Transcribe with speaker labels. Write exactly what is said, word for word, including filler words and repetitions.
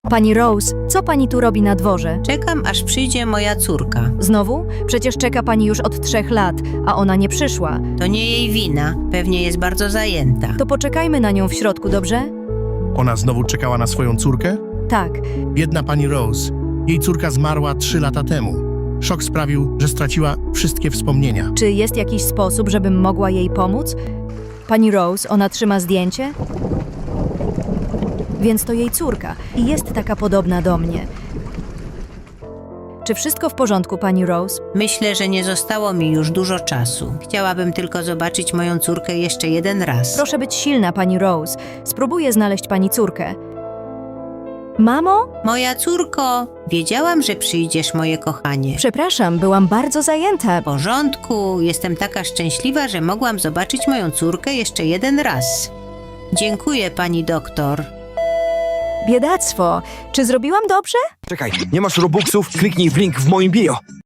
Speaker 1: Pani Rose, co pani tu robi na dworze?
Speaker 2: Czekam, aż przyjdzie moja córka.
Speaker 1: Znowu? Przecież czeka pani już od trzech lat, a ona nie przyszła.
Speaker 2: To nie jej wina. Pewnie jest bardzo zajęta.
Speaker 1: To poczekajmy na nią w środku, dobrze?
Speaker 3: Ona znowu czekała na swoją córkę?
Speaker 1: Tak.
Speaker 3: Biedna pani Rose. Jej córka zmarła trzy lata temu. Szok sprawił, że straciła wszystkie wspomnienia.
Speaker 1: Czy jest jakiś sposób, żebym mogła jej pomóc? Pani Rose, ona trzyma zdjęcie? Więc to jej córka i jest taka podobna do mnie. Czy wszystko w porządku, pani Rose?
Speaker 2: Myślę, że nie zostało mi już dużo czasu. Chciałabym tylko zobaczyć moją córkę jeszcze jeden raz.
Speaker 1: Proszę być silna, pani Rose. Spróbuję znaleźć pani córkę. Mamo?
Speaker 2: Moja córko, wiedziałam, że przyjdziesz, moje kochanie.
Speaker 1: Przepraszam, byłam bardzo zajęta.
Speaker 2: W porządku, jestem taka szczęśliwa, że mogłam zobaczyć moją córkę jeszcze jeden raz. Dziękuję, pani doktor.
Speaker 1: Biedactwo. Czy zrobiłam dobrze?
Speaker 4: Czekaj, nie masz robuxów? Kliknij w link w moim bio.